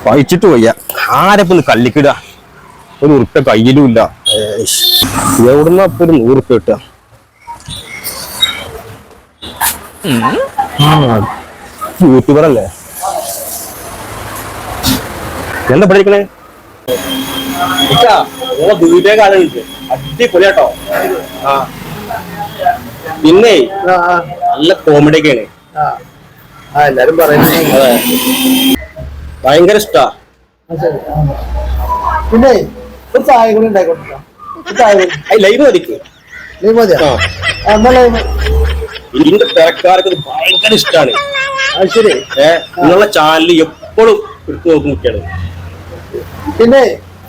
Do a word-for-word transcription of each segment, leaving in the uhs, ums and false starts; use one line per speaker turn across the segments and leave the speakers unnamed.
വായിച്ചിട്ട് വയ്യ. ആരെപ്പൊന്ന് കല്ലിക്കിട. ഒരു ഉറുപ്പ കയ്യിലും ഇല്ല. എവിടുന്ന ഇപ്പൊ ഒരു നൂറുപ്പ കിട്ടുക? യൂട്യൂബർ അല്ലേ? എന്താ പഠിക്കണേ? അടിപൊളിയാട്ടോ. പിന്നെ നല്ല കോമഡി ഒക്കെയാണ്.
എല്ലാരും പറയുന്നത്
അതെ, ഭയങ്കര ഇഷ്ടാ.
പിന്നെ ഒരു ചായ കൂടി ഉണ്ടായിക്കോട്ടെ.
ലൈവ് മതിക്ക്. ഇതിന്റെ തിരക്കാർക്ക് ഇത് ഭയങ്കര ഇഷ്ടാണ്.
അത് ശരി.
ഏഹ് നിങ്ങളുടെ ചാനലിൽ എപ്പോഴും എടുത്തു നോക്കും കുട്ടിയാണ്.
പിന്നെ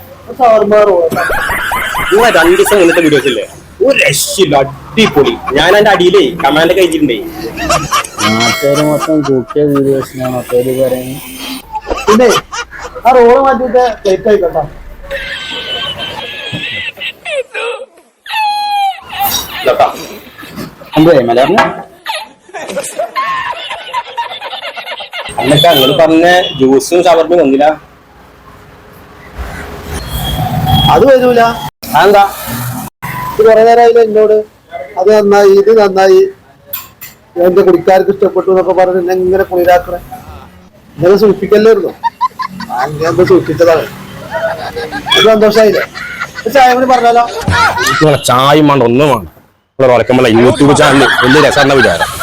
നിങ്ങളെ രണ്ടു ദിവസം മുന്നത്തെ വീഡിയോസ് ഇല്ലേ, ഒരു രക്ഷയില്ല, അടിപൊളി. ഞാൻ എന്റെ അടിയിലേ കമാൻഡ് ഒക്കെ അയച്ചിട്ടുണ്ടേ.
നാട്ടുകാര് മൊത്തം കൂട്ടിയ വീഡിയോസിനാണ് പേര് പറയുന്നത്.
പിന്നെ ആ റോള് മാറ്റിട്ട് പ്ലേറ്റ് ആയിക്കോട്ടോ.
മലയാളം
അന്നൊക്കെ അങ്ങനെ പറഞ്ഞ ജ്യൂസും ഷവർമ്മയും വന്നില്ല.
അത് വരൂല.
അതെന്താ?
ഇത് കുറെ നേരമായില്ല എന്നോട് അത് നന്നായി ഇത് നന്നായി എന്റെ കുടിക്കാർക്ക് ഇഷ്ടപ്പെട്ടു എന്നൊക്കെ പറഞ്ഞ് എന്നെ ഇങ്ങനെ കുളിരാക്കണേ. ഇങ്ങനെ സൂക്ഷിക്കല്ലായിരുന്നു. ഞാൻ എന്താ സൂക്ഷിച്ചതാണ്. അത് സന്തോഷമായില്ലേ? ചായ കൂടി പറഞ്ഞാലോ?
ചായ വേണ്ട, ഒന്നും വേണ്ട. യൂട്യൂബ് ചാനൽ വലിയ രസമാണ് വിചാരം.